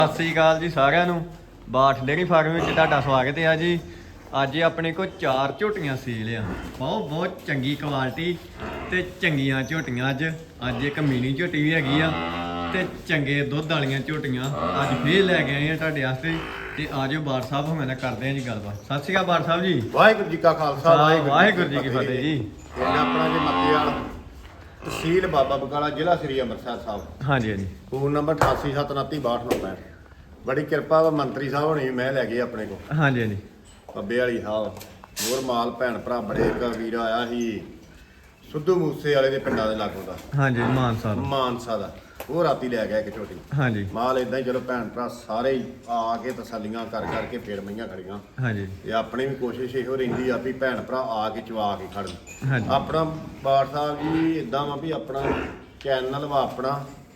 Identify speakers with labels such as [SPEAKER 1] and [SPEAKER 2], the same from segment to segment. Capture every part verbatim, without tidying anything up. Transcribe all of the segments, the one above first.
[SPEAKER 1] ਸਤਿ ਸ੍ਰੀ ਅਕਾਲ ਜੀ ਸਾਰਿਆਂ ਨੂੰ। ਬਾਠ ਡੇਅਰੀ ਫਾਰਮ ਵਿੱਚ ਤੁਹਾਡਾ ਸਵਾਗਤ ਹੈ ਜੀ। ਅੱਜ ਆਪਣੇ ਕੋਲ ਚਾਰ ਝੋਟੀਆਂ ਸੀਲ ਆ, ਬਹੁਤ ਬਹੁਤ ਚੰਗੀ ਕੁਆਲਿਟੀ ਤੇ ਚੰਗੀਆਂ ਝੋਟੀਆਂ। ਅੱਜ ਅੱਜ ਇੱਕ ਮਿਨੀ ਝੋਟੀ ਵੀ ਹੈਗੀ ਆ ਤੇ ਚੰਗੇ ਦੁੱਧ ਵਾਲੀਆਂ ਝੋਟੀਆਂ ਅੱਜ ਫੇਰ ਲੈ ਕੇ ਆਏ ਆ ਤੁਹਾਡੇ ਵਾਸਤੇ। ਤੇ ਆਜੋ ਬਾਠ ਸਾਹਿਬ ਹੁਣੇ ਨਾਲ ਕਰਦੇ ਆ ਜੀ ਗੱਲਬਾਤ। ਸਤਿ ਸ੍ਰੀ ਅਕਾਲ ਬਾਠ ਸਾਹਿਬ ਜੀ।
[SPEAKER 2] ਵਾਹਿਗੁਰੂ ਜੀ ਕਾ ਖਾਲਸਾ
[SPEAKER 1] ਵਾਹਿਗੁਰੂ ਜੀ ਕੀ ਫਤਿਹ ਜੀ।
[SPEAKER 2] ਪਿੰਡ ਆਪਣਾ ਜੀ ਮੱਤੇਵਾਲ, ਤਹਿਸੀਲ ਬਾਬਾ ਬਕਾਲਾ, ਜ਼ਿਲ੍ਹਾ ਸ੍ਰੀ ਅੰਮ੍ਰਿਤਸਰ ਸਾਹਿਬ।
[SPEAKER 1] ਹਾਂਜੀ ਹਾਂਜੀ।
[SPEAKER 2] ਫੋਨ ਨੰਬਰ ਅਠਾਸੀ ਸੱਤ ਉਨੱਤੀ ਬਾਹਠ ਨੌਂ ਪੈਂਹਠ। ਬੜੀ ਕਿਰਪਾ ਵਾ ਮੰਤਰੀ ਸਾਹਿਬ ਹੋਣੀ ਮੈਂ ਲੈ ਗਏ ਆਪਣੇ ਕੋਲ।
[SPEAKER 1] ਹਾਂਜੀ ਹਾਂਜੀ।
[SPEAKER 2] ਬੱਬੇ ਵਾਲੀ ਸਾਹਿਬ ਹੋਰ ਮਾਲ ਭੈਣ ਭਰਾ ਬੜੇ ਇੱਕ ਵੀਰ ਆਇਆ ਸੀ ਸਿੱਧੂ ਮੂਸੇ ਵਾਲੇ ਦੇ ਪਿੰਡਾਂ ਦੇ ਲਾਗੋਂ ਦਾ।
[SPEAKER 1] ਹਾਂਜੀ ਮਾਨਸਾ ਦਾ।
[SPEAKER 2] ਮਾਨਸਾ ਦਾ ਉਹ ਰਾਤੀ ਲੈ ਗਿਆ ਇੱਕ ਝੋਟੀ।
[SPEAKER 1] ਹਾਂਜੀ
[SPEAKER 2] ਮਾਲ ਇਦਾਂ ਹੀ ਚਲੋ ਭੈਣ ਭਰਾ ਸਾਰੇ ਹੀ ਆ ਕੇ ਤਸੱਲੀਆਂ ਕਰ ਕਰਕੇ ਫੇਰ ਮਈਆਂ ਖੜੀਆਂ।
[SPEAKER 1] ਹਾਂਜੀ।
[SPEAKER 2] ਤੇ ਆਪਣੀ ਵੀ ਕੋਸ਼ਿਸ਼ ਇਹੋ ਰਹਿੰਦੀ ਆ ਵੀ ਭੈਣ ਭਰਾ ਆ ਕੇ ਚਵਾ ਕੇ ਖੜਨ।
[SPEAKER 1] ਹਾਂਜੀ।
[SPEAKER 2] ਆਪਣਾ ਬਾਠ ਸਾਹਿਬ ਜੀ ਇਦਾਂ ਵਾ ਵੀ ਆਪਣਾ ਚੈਨਲ ਵਾ ਆਪਣਾ,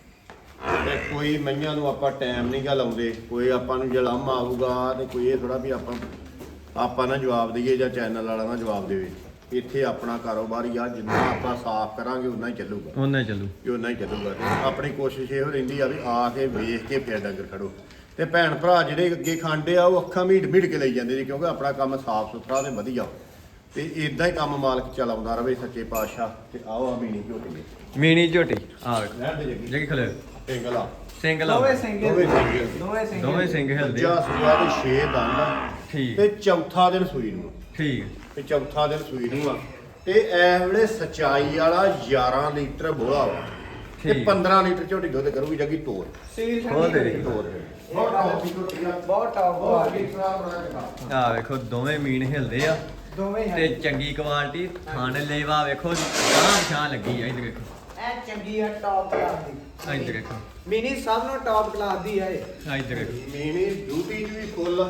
[SPEAKER 2] ਤੇ ਕੋਈ ਮਈਆਂ ਨੂੰ ਆਪਾਂ ਟਾਈਮ ਨਹੀਂ ਗਾ ਲਾਉਂਦੇ। ਕੋਈ ਆਪਾਂ ਨੂੰ ਜਲਮ ਆਊਗਾ ਤੇ ਕੋਈ ਇਹ ਥੋੜਾ ਵੀ ਆਪਾਂ ਆਪਾਂ ਨਾ ਜਵਾਬ ਦਈਏ ਜਾਂ ਚੈਨਲ ਵਾਲਾ ਨਾ ਜਵਾਬ ਦੇਵੇ। ਇੱਥੇ ਆਪਣਾ ਕਾਰੋਬਾਰ ਹੀ ਆ, ਜਿੰਨਾ ਆਪਾਂ ਸਾਫ਼ ਕਰਾਂਗੇ ਉਨਾ ਹੀ ਚੱਲੂਗਾ,
[SPEAKER 1] ਉਹਨਾਂ ਹੀ ਚੱਲੂ
[SPEAKER 2] ਕਿ ਉਨਾ ਹੀ ਚੱਲੂਗਾ। ਤੇ ਆਪਣੀ ਕੋਸ਼ਿਸ਼ ਇਹੋ ਰਹਿੰਦੀ ਆ ਵੀ ਆ ਕੇ ਵੇਖ ਕੇ ਫਿਰ ਡੰਗਰ ਖੜੋ। ਤੇ ਭੈਣ ਭਰਾ ਜਿਹੜੇ ਅੱਗੇ ਖਾਂਦੇ ਆ ਉਹ ਅੱਖਾਂ ਮੀਟ ਮੀਟ ਕੇ ਲਈ ਜਾਂਦੇ ਜੀ, ਕਿਉਂਕਿ ਆਪਣਾ ਕੰਮ ਸਾਫ਼ ਸੁਥਰਾ ਤੇ ਵਧੀਆ। ਤੇ ਇਦਾਂ ਹੀ ਕੰਮ ਮਾਲਕ ਚਲਾਉਂਦਾ ਰਵੇ ਸੱਚੇ ਪਾਤਸ਼ਾਹ। ਤੇ ਆਓ ਆ ਮੀਨੀ ਝੋਟੀ
[SPEAKER 1] ਮਿਨੀ ਝੋਟੀ ਆ ਵੇਖੋ
[SPEAKER 2] ਲੈਣ ਦੇ ਜੱਗੀ
[SPEAKER 1] ਜਗੀ ਖਲੇ
[SPEAKER 2] ਸਿੰਗਲਾ
[SPEAKER 1] ਸਿੰਗਲ
[SPEAKER 3] ਦੋਵੇਂ ਸਿੰਗਲ
[SPEAKER 2] ਦੋਵੇਂ ਸਿੰਗਲ
[SPEAKER 3] ਦੋਵੇਂ ਸਿੰਗਲ
[SPEAKER 1] ਦੋਵੇਂ ਸਿੰਘ ਹਿਲਦੇ
[SPEAKER 2] ਦੂਜਾ ਸੂਆ ਤੇ ਛੇ ਦੰਦ
[SPEAKER 1] ਠੀਕ
[SPEAKER 2] ਤੇ ਚੌਥਾ ਦਿਨ ਸੂਈ ਨੂੰ।
[SPEAKER 1] ਠੀਕ
[SPEAKER 2] ਤੇ ਚੌਥਾ ਦਿਨ ਸੂਈ ਨੂੰ ਆ। ਤੇ ਇਸ ਵੇਲੇ ਸਚਾਈ ਵਾਲਾ ਗਿਆਰਾਂ ਲੀਟਰ ਬੋਲਾ ਵਾ ਤੇ
[SPEAKER 1] ਠੀਕ।
[SPEAKER 2] ਪੰਦਰਾਂ ਲੀਟਰ ਝੋਟੀ ਦੁੱਧ ਕਰੂਗੀ ਜੱਗੀ ਤੋਰ
[SPEAKER 3] ਸੀਲ
[SPEAKER 1] ਖੋਲ ਦੇ
[SPEAKER 3] ਠੰਡੀ
[SPEAKER 2] ਤੋਰ
[SPEAKER 3] ਬਹੁਤ ਟੌਪ
[SPEAKER 2] ਝੋਟੀ ਆ।
[SPEAKER 3] ਬਹੁਤ ਟੌਪ
[SPEAKER 2] ਬਹੁਤ
[SPEAKER 3] ਆ
[SPEAKER 2] ਠੀਕ ਸਵਾਦ ਬਣਾ ਕੇ ਖਾ।
[SPEAKER 1] ਆ ਵੇਖੋ ਦੋਵੇਂ ਮੀਨ ਹਿਲਦੇ ਆ
[SPEAKER 3] ਦੋਵੇਂ
[SPEAKER 1] ਤੇ
[SPEAKER 3] ਹੈ
[SPEAKER 1] ਚੰਗੀ ਕੁਆਲਿਟੀ। ਥਣ ਲੇਵਾ ਵੇਖੋ ਗਾਂ ਪਛਾਣ ਲੱਗੀ ਆ। ਇੱਧਰ ਵੇਖੋ
[SPEAKER 3] ਐ ਚੰਗੀ ਆ ਟੌਪ ਕਲਾਸ ਦੀ।
[SPEAKER 1] ਇੱਧਰ ਵੇਖੋ
[SPEAKER 3] ਮਿਨੀ ਸਭ ਨੂੰ ਟੌਪ ਕਲਾਸ ਦੀ ਹੈ ਇਹ।
[SPEAKER 1] ਆ ਇੱਧਰ ਵੇਖੋ
[SPEAKER 2] ਮੀਨੀ ਡਿਊਟੀ ਚ ਵੀ ਫੁੱਲ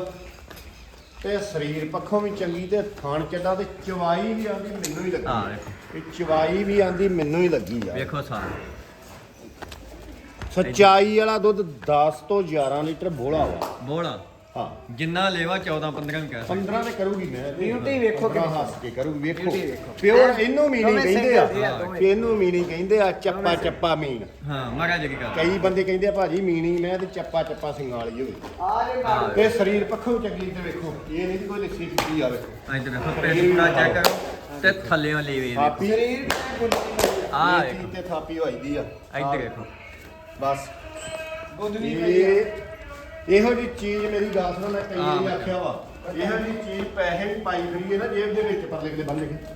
[SPEAKER 2] ਤੇ ਸਰੀਰ ਪੱਖੋਂ ਵੀ ਚੰਗੀ ਤੇ ਥਣ ਚੱਡਾ ਤੇ ਚਵਾਈ ਵੀ ਆਂਦੀ ਮੈਨੂੰ ਹੀ
[SPEAKER 1] ਆ
[SPEAKER 2] ਲੱਗੀ।
[SPEAKER 1] ਵੇਖੋ
[SPEAKER 2] ਇਹ ਚਵਾਈ ਵੀ ਆਂਦੀ ਮੈਨੂੰ ਹੀ ਲੱਗੀ ਆ।
[SPEAKER 1] ਵੇਖੋ ਸਾਰ
[SPEAKER 2] ਸੱਚਾਈ ਵਾਲਾ ਦੁੱਧ ਦਸ ਤੋਂ ਗਿਆਰਾਂ ਲੀਟਰ ਬੋਲਾ ਵਾ।
[SPEAKER 1] ਬੋਲਾ
[SPEAKER 2] ਹਾਂ
[SPEAKER 1] ਜਿੰਨਾ ਲੇਵਾ ਚੌਦਾਂ ਪੰਦਰਾਂ ਵੀ ਕਹਿ ਸਕਦੇ।
[SPEAKER 2] ਪੰਦਰਾਂ ਤੇ ਕਰੂਗੀ ਮੈਂ।
[SPEAKER 3] Beauty ਵੇਖੋ
[SPEAKER 2] ਪੰਦਰਾਂ
[SPEAKER 3] ਕਿੰਨੀ।
[SPEAKER 2] ਹੱਸ ਕੇ ਕਰੂਗੀ ਵੇਖੋ।
[SPEAKER 3] Beauty ਵੇਖੋ।
[SPEAKER 2] ਪਿਓਰ ਇਹਨੂੰ ਮੀਨੀ
[SPEAKER 3] ਦੋਵੇਂ
[SPEAKER 2] ਕਹਿੰਦੇ ਆ
[SPEAKER 3] ਸਿੰਗਲ ਦੇ ਆ ਦੋਵੇਂ।
[SPEAKER 2] ਕਿ ਇਹਨੂੰ ਮੀਨੀ ਕਹਿੰਦੇ ਆ। ਚੱਪਾ ਚੱਪਾ ਮੀਨ।
[SPEAKER 1] ਹਾਂ ਮਾਰਾ ਜਗੀ ਕਰ
[SPEAKER 2] ਕਈ ਬੰਦੇ ਕਹਿੰਦੇ ਆ ਭਾਜੀ ਮੀਨੀ ਮੈਂ ਤੇ ਚੱਪਾ ਚੱਪਾ ਸਿੰਘਾਂ ਵਾਲੀ ਹੋਵੇ।
[SPEAKER 3] ਆ ਜੇ ਮਾਰ
[SPEAKER 2] ਤੇ ਸਰੀਰ ਪੱਖੋਂ ਚੰਗੀ ਤੇ ਵੇਖੋ ਇਹ ਨਹੀਂ ਕੋਈ ਲਿੱਸੀ ਫਿੱਟੀ ਆਵੇ।
[SPEAKER 1] ਆ ਇੱਧਰ ਵੇਖੋ ਪੇਟ ਪੂਰਾ ਚੈੱਕ ਕਰੋ ਤੇ ਥੱਲੇੋਂ ਲੇਵੇ ਦੇਖੋ।
[SPEAKER 2] ਥਾਪੀ
[SPEAKER 3] ਸਰੀਰ ਤੇ ਗੁੱਡੀ
[SPEAKER 1] ਆ
[SPEAKER 2] ਇਹ ਚੀਜ਼ ਤੇ ਥਾਪੀ ਹੋਈਦੀ ਆ।
[SPEAKER 1] ਇੱਧਰ ਵੇਖੋ
[SPEAKER 2] ਬਸ
[SPEAKER 3] ਗੁੱਦਨੀ
[SPEAKER 2] ਇਹ ਇਹੋ ਜੀ ਚੀਜ਼ ਮੇਰੀ ਗੱਲ ਸੁਣੋ। ਮੈਂ ਕਈ ਵਾਰੀ
[SPEAKER 1] ਹਾਂ।
[SPEAKER 2] ਆਖਿਆ ਵਾ ਇਹੋ ਜੀ ਚੀਜ਼ ਪੈਸੇ ਵੀ ਪਾਈ ਫਿਰੀਏ ਨਾ ਜੇਬ ਦੇ ਵਿੱਚ ਪਰਲੇ ਕਿਤੇ ਬੰਨ ਕੇ।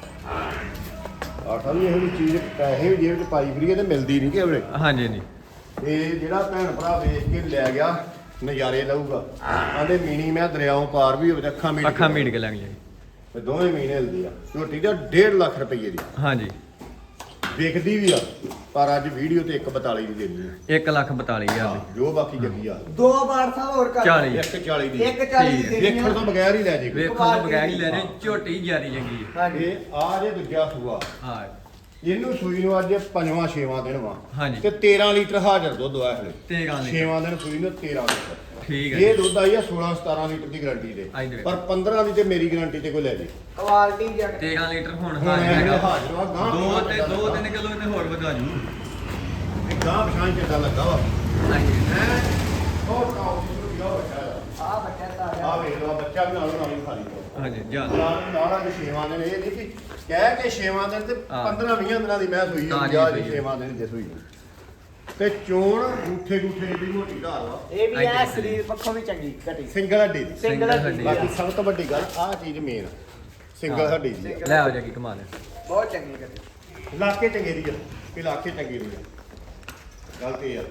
[SPEAKER 2] ਆਖਾ ਵੀ ਇਹੋ ਜੀ ਚੀਜ਼ ਪੈਸੇ ਵੀ ਜੇਬ 'ਚ ਪਾਈ ਫਿਰੀਏ ਤੇ ਮਿਲਦੀ ਨਹੀਂ ਕਿਵੇਂ।
[SPEAKER 1] ਹਾਂਜੀ ਹਾਂਜੀ
[SPEAKER 2] ਤੇ ਜਿਹੜਾ ਭੈਣ ਭਰਾ ਵੇਖ ਕੇ ਲੈ ਗਿਆ ਨਜ਼ਾਰੇ ਲਊਗਾ। ਆਂਦੇ ਮੀਣੀ ਮੈਂ ਦਰਿਆਓਂ ਪਾਰ ਵੀ ਹੋਵੇ ਅੱਖਾਂ ਮੀਟ
[SPEAKER 1] ਅੱਖਾਂ ਮੀਟ ਕੇ ਲੱਗ ਜਾਏ।
[SPEAKER 2] ਤੇ ਦੋਵੇਂ ਮਹੀਨੇ ਹਿਲਦੀ ਆ। ਝੋਟੀ ਦਾ ਡੇਢ ਲੱਖ ਰੁਪਏ ਦੀ
[SPEAKER 1] ਹਾਂਜੀ
[SPEAKER 2] ਵਿਕਦੀ ਵੀ ਆ, ਪਰ ਅੱਜ ਵੀਡੀਓ ਤੇ ਇੱਕ ਬਤਾਲੀ ਦੀ ਦੇਣੀ ਆ।
[SPEAKER 1] ਇੱਕ ਲੱਖ ਬਤਾਲੀ ਹਜ਼ਾਰ ਦੀ।
[SPEAKER 2] ਜੋ ਬਾਕੀ ਜੱਗੀ ਆ
[SPEAKER 3] ਦੋ ਬਾਰ ਸਾਹਿਬ ਹੋਰ ਕਰ
[SPEAKER 1] ਚਾਲੀ।
[SPEAKER 2] ਇੱਕ ਚਾਲੀ ਦੀ
[SPEAKER 3] ਇੱਕ ਚਾਲੀ
[SPEAKER 1] ਠੀਕ
[SPEAKER 3] ਦੀ
[SPEAKER 1] ਹੈ।
[SPEAKER 3] ਦੇਣੀ
[SPEAKER 2] ਵੇਖਣ ਤੋਂ ਬਗੈਰ ਹੀ ਲੈ ਜੇ ਕੋਈ।
[SPEAKER 1] ਵੇਖੋ ਤੋਂ ਬਗੈਰ ਹੀ ਲੈ ਰਹੇ ਝੋਟੀ ਜਿਆਦੀ ਚੰਗੀ ਹੈ।
[SPEAKER 3] ਹਾਂਜੀ
[SPEAKER 2] ਇਹ ਆ ਜੇ ਦੂਜਾ ਸੂਆ
[SPEAKER 1] ਹਾਂ
[SPEAKER 2] ਇਹਨੂੰ ਸੂਈ ਨੂੰ ਅੱਜ ਪੰਜਵਾਂ ਛੇਵਾਂ ਦਿਨ ਵਾ।
[SPEAKER 1] ਹਾਂਜੀ।
[SPEAKER 2] ਤੇ ਤੇਰਾਂ ਲੀਟਰ ਹਾਜ਼ਰ ਦੁੱਧ ਆ ਹਲੇ।
[SPEAKER 1] ਤੇਰਾਂ ਲੀਟਰ।
[SPEAKER 2] ਛੇਵਾਂ ਦਿਨ ਸੂਈ ਨੂੰ ਤੇਰਾਂ ਲੀਟਰ।
[SPEAKER 1] ਠੀਕ ਹੈ
[SPEAKER 2] ਇਹ ਦੁੱਧ ਆਈ ਆ ਸੋਲਾਂ ਸਤਾਰਾਂ ਲੀਟਰ ਦੀ ਗਾਰੰਟੀ ਤੇ।
[SPEAKER 1] ਆਈ ਦੇ
[SPEAKER 2] ਪਰ ਪੰਦਰਾਂ ਦੀ ਤੇ ਮੇਰੀ ਗਾਰੰਟੀ ਤੇ ਕੋਈ ਲੈ ਜੇ।
[SPEAKER 3] ਕੁਆਲਿਟੀ ਜੱਟ
[SPEAKER 1] ਤੇਰਾਂ ਲੀਟਰ ਹੁਣ
[SPEAKER 2] ਹੁਣ
[SPEAKER 1] ਹਾਜ਼ਰ
[SPEAKER 2] ਇਹ
[SPEAKER 1] ਹੈਗਾ।
[SPEAKER 2] ਹਾਜ਼ਰ ਵਾ ਗਾਂ
[SPEAKER 1] ਦੋ ਤੇ ਦੋ ਤਿੰਨ ਕਿਲੋ ਇਹਨੇ ਹੋਰ ਵਧਾ ਜੂ।
[SPEAKER 2] ਇਹ ਗਾਂ ਪਛਾਣ ਚੱਡਾ ਲੱਗਾ ਵਾ
[SPEAKER 1] ਹਾਂਜੀ
[SPEAKER 2] ਹੈ। ਉਹ ਕਾਉ ਦੀ ਨੂੰ ਯੋ ਬੱਚਾ
[SPEAKER 3] ਆ ਬੱਚਾ ਤਾਂ
[SPEAKER 2] ਆ ਵੇਖ ਲਓ ਬੱਚਾ ਵੀ ਨਾਲੋਂ ਨਾਲ ਹੀ ਖਾ ਲਈ।
[SPEAKER 1] ਹਾਂਜੀ ਜਾ
[SPEAKER 2] ਨਾਲ ਨਾਲ ਅੱਜ ਛੇਵਾਂ ਦਿਨ ਇਹ ਨਹੀਂ ਕਿ ਕਹਿ ਕੇ ਛੇਵਾਂ ਦਿਨ ਤੇ
[SPEAKER 1] ਹਾਂ।
[SPEAKER 2] ਪੰਦਰਾਂ ਵੀਹਾਂ ਦਿਨਾਂ ਦੀ ਮੈਂ ਸੂਈ
[SPEAKER 1] ਤਾਂ
[SPEAKER 2] ਆ
[SPEAKER 1] ਜੀ
[SPEAKER 2] ਜਾ
[SPEAKER 1] ਸੂਈ
[SPEAKER 2] ਜੀ
[SPEAKER 1] ਆ।
[SPEAKER 2] ਛੇਵਾਂ ਦਿਨ ਜੇ ਸੂਈ ਤੇ ਚੋਣ ਗੂਠੇ ਗੂਠੇ ਦੀ ਮੋਟੀ ਧਾਰ ਵਾ।
[SPEAKER 3] ਇਹ ਵੀ
[SPEAKER 1] ਹਾਂਜੀ।
[SPEAKER 3] ਆ ਸਰੀਰ ਪੱਖੋਂ ਵੀ ਚੰਗੀ ਘਟੀ
[SPEAKER 2] ਸਿੰਗਲ ਹੱਡੀ ਦੀ।
[SPEAKER 3] ਸਿੰਗਲ
[SPEAKER 1] ਸਿੰਗਲ
[SPEAKER 3] ਹੱਡੀ
[SPEAKER 2] ਬਾਕੀ ਸਭ ਤੋਂ ਵੱਡੀ ਗੱਲ ਆਹ ਚੀਜ਼ ਮੇਨ ਸਿੰਗਲ ਹੱਡੀ ਦੀ ਆ।
[SPEAKER 1] ਲੈ ਆਓ ਜਾ ਕੇ ਕਮਾ ਲੈ।
[SPEAKER 3] ਬਹੁਤ ਚੰਗੀ ਘਟੀ।
[SPEAKER 2] ਇਲਾਕੇ ਚੰਗੇ ਦੀ ਆ, ਇਲਾਕੇ ਚੰਗੇ ਦੀ ਆ। ਗੱਲ ਤੇ ਯਾਰ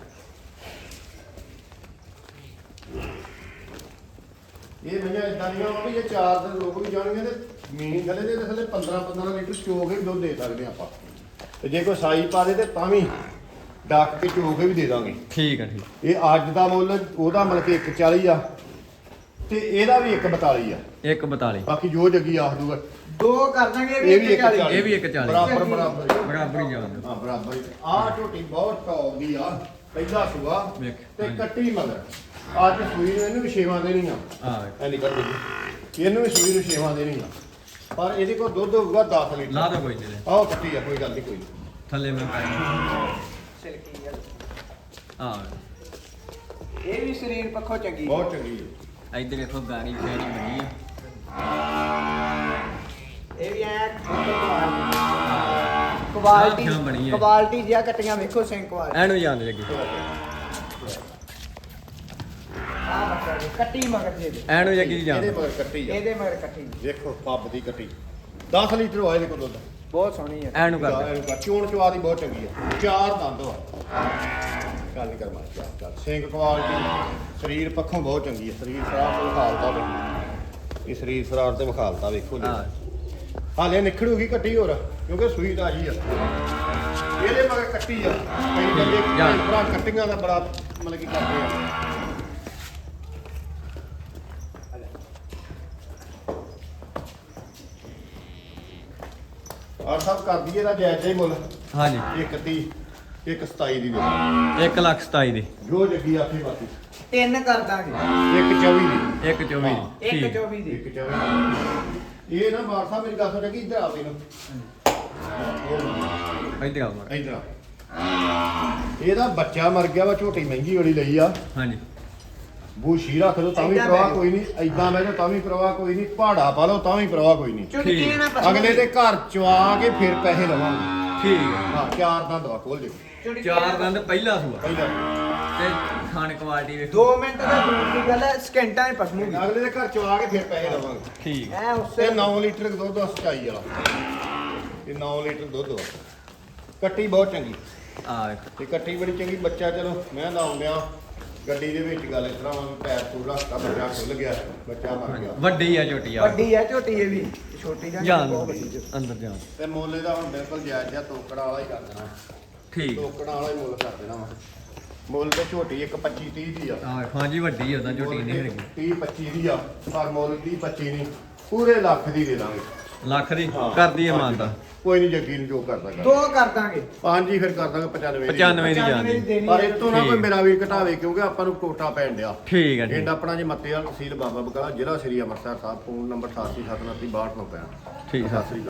[SPEAKER 2] ਇਹ ਭਈਆ ਇਦਾਂ ਦੀਆਂ ਵਾ ਵੀ ਇਹ ਚਾਰ ਦਿਨ ਲੋਕ ਵੀ ਜਾਣਗੇ ਤੇ ਮੀਨੀ ਥੱਲੇ ਦੇ ਥੱਲੇ ਪੰਦਰਾਂ ਪੰਦਰਾਂ ਲੀਟਰ ਚੋ ਕੇ ਵੀ ਦੁੱਧ ਦੇ ਸਕਦੇ ਆਪਾਂ। ਤੇ ਜੇ ਕੋਈ ਸਾਈ ਪਾ ਦੇ ਤੇ ਤਾਂ ਵੀ ਡੱਕ ਕੇ ਚੋ ਕੇ ਵੀ ਦੇ ਦਾਂਗੇ।
[SPEAKER 1] ਠੀਕ ਹੈ ਠੀਕ।
[SPEAKER 2] ਇਹ ਅੱਜ ਦਾ ਮੁੱਲ ਉਹਦਾ ਮਤਲਬ ਕਿ ਇੱਕ ਚਾਲੀ ਆ ਤੇ ਇਹਦਾ ਵੀ ਇੱਕ ਬਤਾਲੀ ਆ।
[SPEAKER 1] ਇੱਕ ਬਤਾਲੀ।
[SPEAKER 2] ਬਾਕੀ ਜੋ ਜੱਗੀ ਆਖ ਦੂਗਾ
[SPEAKER 3] ਦੋ ਕਰ ਦਾਂਗੇ
[SPEAKER 2] ਇਹ ਵੀ ਇੱਕ
[SPEAKER 3] ਚਾਲੀ।
[SPEAKER 2] ਚਾਲੀ।
[SPEAKER 1] ਇਹ ਵੀ ਇੱਕ ਚਾਲੀ।
[SPEAKER 2] ਬਰਾਬਰ ਬਰਾਬਰ ਹੀ।
[SPEAKER 1] ਬਰਾਬਰ ਹੀ ਜਾਣ ਦਿਓ।
[SPEAKER 2] ਹਾਂ ਬਰਾਬਰ ਹੀ। ਆਹ ਝੋਟੀ ਬਹੁਤ ਟੌਪ ਦੀ ਆ। ਪਹਿਲਾ ਸੂਆ
[SPEAKER 1] ਵੇਖ,
[SPEAKER 2] ਤੇ
[SPEAKER 1] ਹਾਂਜੀ।
[SPEAKER 2] ਕੱਟੀ ਮਗਰ ਅੱਜ ਸੂਈ ਨੂੰ ਇਹਨੂੰ ਵੀ ਛੇਵਾਂ ਦੇਣੀ ਆ।
[SPEAKER 1] ਆ
[SPEAKER 2] ਐ ਨਿਕਲ ਗਈ ਇਹਨੂੰ ਵੀ ਸੂਈ ਨੂੰ ਛੇਵਾਂ ਦੇਣੀ ਆ। ਪਰ ਇਹਦੇ ਕੋਲ ਦੁੱਧ ਹੋਊਗਾ ਦਸ ਲੀਟਰ।
[SPEAKER 1] ਲਾ ਦੋ ਕੋਈ ਨਹੀਂ।
[SPEAKER 2] ਆਹ ਕੱਟੀ ਆ ਕੋਈ ਗੱਲ ਨਹੀਂ ਕੋਈ
[SPEAKER 1] ਥੱਲੇ ਮੈਂ ਪਾਈ
[SPEAKER 3] ਸਿਲਕੀ ਗੱਲ
[SPEAKER 1] ਆ
[SPEAKER 3] ਇਹ ਵੀ ਸਰੀਰ ਪੱਖੋਂ ਚੰਗੀ
[SPEAKER 2] ਬਹੁਤ ਚੰਗੀ ਹੈ।
[SPEAKER 1] ਇੱਧਰ ਦੇਖੋ ਗਾੜੀ ਫੇਰੀ ਬਣੀ ਆ
[SPEAKER 3] ਇਹ ਵੀ ਐ ਕੁਆਲਿਟੀ
[SPEAKER 1] ਆਹ ਬਣੀ ਹੈ।
[SPEAKER 3] ਕੁਆਲਿਟੀ ਜਿਆ ਕੱਟੀਆਂ ਵੇਖੋ ਸਿੰਘ ਕੁਆਲਿਟੀ
[SPEAKER 1] ਐਨੂੰ ਜਾਣ ਲੱਗੀ
[SPEAKER 3] ਆ ਬੱਕਰਾ ਜੀ, ਕੱਟੀ ਮਗਰ ਜੇ ਦੇ।
[SPEAKER 1] ਐਨੂੰ ਜੱਗੀ ਜਾਣ
[SPEAKER 2] ਇਹਦੇ ਮਗਰ ਕੱਟੀ ਆ
[SPEAKER 3] ਇਹਦੇ ਮਗਰ ਕੱਟੀ
[SPEAKER 2] ਦੇਖੋ ਪੱਬ ਦੀ ਕੱਟੀ ਦਸ ਲੀਟਰ ਹੋਇਆ ਇਹਦੇ ਕੋਲ ਦੁੱਧ
[SPEAKER 3] ਬਹੁਤ ਸੋਹਣੀ ਹੈ
[SPEAKER 1] ਐਨੂੰ ਕਰ ਦੇ।
[SPEAKER 2] ਇਹਨੂੰ ਕਰ ਚੋਣ ਚਵਾ ਦੀ ਬਹੁਤ ਚੰਗੀ ਆ ਚਾਰ ਦੰਦ ਵਾ ਗੱਲ ਨਹੀਂ ਕਰ ਮਾਰ ਚੱਲ ਚੱਲ ਸਿੰਘ ਕੁਆਲਿਟੀ ਸਰੀਰ ਪੱਖੋਂ ਬਹੁਤ ਚੰਗੀ ਹੈ ਸਰੀਰ ਸਰਾਰ ਤੇ ਵਿਖਾਲਤਾ ਵੇ ਇਹ ਸਰੀਰ ਸਰਾਰ ਤੇ ਵਿਖਾਲਤਾ ਵੇਖੋ ਜੀ
[SPEAKER 1] ਹਾਂ
[SPEAKER 2] ਹਾਲੇ ਨਿਖੜੂਗੀ ਕੱਟੀ ਹੋਰ ਕਿਉਂਕਿ ਸੂਈ ਤਾਜੀ ਆ ਇਹਦੇ ਮਗਰ ਕੱਟੀ ਆ ਕਈ ਬੰਦੇ
[SPEAKER 1] ਜਾਂ।
[SPEAKER 2] ਭਰਾ ਕੱਟੀਆਂ ਦਾ ਬੜਾ ਮਤਲਬ ਕੀ ਕਰਦੇ ਆ ਔਰ ਸਭ ਕਰ ਦਈਏ ਦਾ ਜਾਇਜ਼ ਹੀ ਮੁੱਲ
[SPEAKER 1] ਹਾਂਜੀ
[SPEAKER 2] ਇੱਕ ਤੀਹ ਇੱਕ ਸਤਾਈ ਦੀ ਦੇ
[SPEAKER 1] ਇੱਕ ਲੱਖ ਸਤਾਈ ਦੀ
[SPEAKER 2] ਜੋ ਜੱਗੀ ਆਖੇ ਬਾਕੀ
[SPEAKER 3] ਤਿੰਨ ਕਰ ਦਾਂਗੇ
[SPEAKER 2] ਇੱਕ ਚੌਵੀ ਦੀ
[SPEAKER 1] ਇੱਕ ਚੌਵੀ
[SPEAKER 2] ਹਾਂ।
[SPEAKER 1] ਦੀ
[SPEAKER 3] ਇੱਕ
[SPEAKER 1] ਠੀਕ
[SPEAKER 3] ਚੌਵੀ ਦੀ
[SPEAKER 2] ਇੱਕ ਚੌਵੀ ਦੀ ਇਹ ਨਾ ਬਾਰ ਸਾਹਿਬ ਮੇਰੀ ਗੱਲ ਸੁਣ ਕਿ ਇੱਧਰ ਆਵੇ ਨੂੰ
[SPEAKER 1] ਇੱਧਰ ਆਓ ਮਾੜਾ।
[SPEAKER 2] ਇੱਧਰ ਆ ਇਹਦਾ ਬੱਚਾ ਮਰ ਗਿਆ ਵਾ ਝੋਟੀ ਮਹਿੰਗੀ ਵਾਲੀ ਲਈ ਆ
[SPEAKER 1] ਹਾਂਜੀ
[SPEAKER 2] ਬੂਸ਼ੀ ਰੱਖ ਲਓ ਤਾਂ ਵੀ
[SPEAKER 3] ਏਦਾਂ
[SPEAKER 2] ਪ੍ਰਵਾਹ
[SPEAKER 3] ਬਹਿ
[SPEAKER 2] ਕੋਈ ਨਹੀਂ ਐਦਾਂ ਬਹਿ ਜਾਓ ਤਾਂ ਵੀ ਪ੍ਰਵਾਹ ਕੋਈ ਨਹੀਂ ਪਹਾੜਾ ਪਾ ਲਓ ਤਾਂ ਵੀ ਪ੍ਰਵਾਹ ਕੋਈ ਨਹੀਂ
[SPEAKER 3] ਚੁਟਕੀ
[SPEAKER 1] ਠੀਕ।
[SPEAKER 3] ਨਾ ਪਸੰਦ
[SPEAKER 2] ਅਗਲੇ ਦੇ ਘਰ ਚਵਾ ਕੇ ਫਿਰ ਪੈਸੇ ਲਵਾਂਗੇ
[SPEAKER 1] ਠੀਕ ਹੈ
[SPEAKER 2] ਹਾਂ ਚਾਰ ਦਾ ਦਵਾ ਖੋਲ ਦੇ
[SPEAKER 3] ਚੁਟਕੀ
[SPEAKER 1] ਚਾਰ
[SPEAKER 3] ਨਾ-
[SPEAKER 1] ਦੰਦ ਪਹਿਲਾ ਸੂਆ
[SPEAKER 2] ਪਹਿਲਾਂ
[SPEAKER 1] ਤੇ ਖਾਣ ਕੁਆਲਿਟੀ ਵੇਖੋ
[SPEAKER 3] ਦੋ ਮਿੰਟ ਦਾ ਦੂਰ ਦੀ ਗੱਲ ਹੈ ਸਕਿੰਟਾਂ 'ਚ ਪਸਮੂਗੀ
[SPEAKER 2] ਅਗਲੇ ਦੇ ਘਰ ਚਵਾ ਕੇ ਫਿਰ ਪੈਸੇ ਲਵਾਂਗੇ
[SPEAKER 1] ਠੀਕ
[SPEAKER 3] ਐ ਉਸੇ
[SPEAKER 2] ਤੇ ਨੌ ਲੀਟਰ ਦੁੱਧ ਆ ਸਚਾਈ ਵਾਲਾ ਇਹ ਨੌ ਲੀਟਰ ਦੁੱਧ ਵਾ ਕੱਟੀ ਬਹੁਤ ਚੰਗੀ
[SPEAKER 1] ਆ ਵੇਖੋ
[SPEAKER 2] ਤੇ ਕੱਟੀ ਬੜੀ ਚੰਗੀ ਬੱਚਾ ਚਲੋ ਮੈਂ ਲਾਉਂਦਿਆਂ ਗੱਡੀ ਦੇ ਵਿੱਚ ਗੱਲ ਇਸ ਤਰ੍ਹਾਂ ਵਾ ਵੀ ਪੈਰ ਪੂਰ ਰੱਖਤਾ ਬੱਚਾ ਖੁੱਲ ਗਿਆ ਬੱਚਾ ਮਰ ਗਿਆ
[SPEAKER 1] ਵੱਡੀ ਆ ਝੋਟੀ ਆ
[SPEAKER 3] ਵੱਡੀ ਹੈ ਝੋਟੀ ਇਹ ਵੀ ਛੋਟੀ ਜਾਂ
[SPEAKER 1] ਜਾਣ
[SPEAKER 3] ਬਹੁਤ ਵੱਡੀ ਝੋਟੀ।
[SPEAKER 1] ਅੰਦਰ ਜਾਣ
[SPEAKER 2] ਤੇ ਮੁੱਲ ਇਹਦਾ ਹੁਣ ਬਿਲਕੁਲ ਜਾਇਜ਼ ਜਿਹਾ ਤੋਕੜਾ ਵਾਲਾ ਹੀ ਕਰ ਦੇਣਾ
[SPEAKER 1] ਠੀਕ
[SPEAKER 2] ਤੋਕੜਾ ਵਾਲਾ ਹੀ ਮੁੱਲ ਕਰ ਦੇਣਾ ਵਾ ਮੁੱਲ ਤੇ ਝੋਟੀ ਇੱਕ ਪੱਚੀ ਤੀਹ ਦੀ ਆ
[SPEAKER 1] ਆ ਵੇਖੋ ਹਾਂਜੀ ਵੱਡੀ ਆ ਉਹਦਾ ਝੋਟੀ ਨਹੀਂ ਹੈਗੀ
[SPEAKER 2] ਤੀਹ ਪੱਚੀ ਦੀ ਆ ਪਰ ਮੁੱਲ ਤੀਹ ਪੱਚੀ ਨਹੀਂ ਪੂਰੇ ਲੱਖ ਦੀ ਦੇ ਦਾਂਗੇ
[SPEAKER 1] ਲੱਖ ਦੀ
[SPEAKER 2] ਹਾਂ,
[SPEAKER 1] ਕਰਦੀ ਹੈ
[SPEAKER 2] ਹਾਂਜੀ।
[SPEAKER 1] ਮਾਨਦਾ
[SPEAKER 2] ਕੋਈ ਨਹੀਂ ਜੱਗੀ ਨੂੰ ਜੋ ਕਰਦਾ ਕਰ
[SPEAKER 3] ਦੋ ਕਰ ਦਾਂਗੇ
[SPEAKER 2] ਪੰਜ ਹੀ ਫਿਰ ਕਰ ਦਾਂਗੇ ਪਚਾਨਵੇਂ ਦੀ।
[SPEAKER 1] ਪਚਾਨਵੇਂ ਦੀ
[SPEAKER 3] ਪਚਾਨਵੇਂ
[SPEAKER 1] ਜਾਂਦੀ
[SPEAKER 3] ਦੇਣੀ
[SPEAKER 2] ਪਰ
[SPEAKER 3] ਹੈ।
[SPEAKER 2] ਇਹ ਤੋਂ ਨਾ ਕੋਈ
[SPEAKER 1] ਠੀਕ।
[SPEAKER 2] ਮੇਰਾ ਵੀ ਘਟਾਵੇ ਕਿਉਂਕਿ ਆਪਾਂ ਨੂੰ ਕੋਟਾ ਪੈਣ ਡਿਆ
[SPEAKER 1] ਠੀਕ ਹੈ
[SPEAKER 2] ਪਿੰਡ
[SPEAKER 1] ਠੀਕ
[SPEAKER 2] ਆਪਣਾ ਜੇ ਮੱਤੇ ਵਾਲ ਤਹਿਸੀਲ ਬਾਬਾ ਬਕਾਲਾ ਜ਼ਿਲ੍ਹਾ ਸ੍ਰੀ ਅੰਮ੍ਰਿਤਸਰ ਸਾਹਿਬ ਫੋਨ ਨੰਬਰ ਅਠਾਸੀ ਸੱਤ ਉਨੱਤੀ ਬਾਹਠ ਨੌ ਪੈਂਹਠ
[SPEAKER 1] ਠੀਕ
[SPEAKER 2] ਸਤਿ ਸ੍ਰੀ ਅਕਾਲ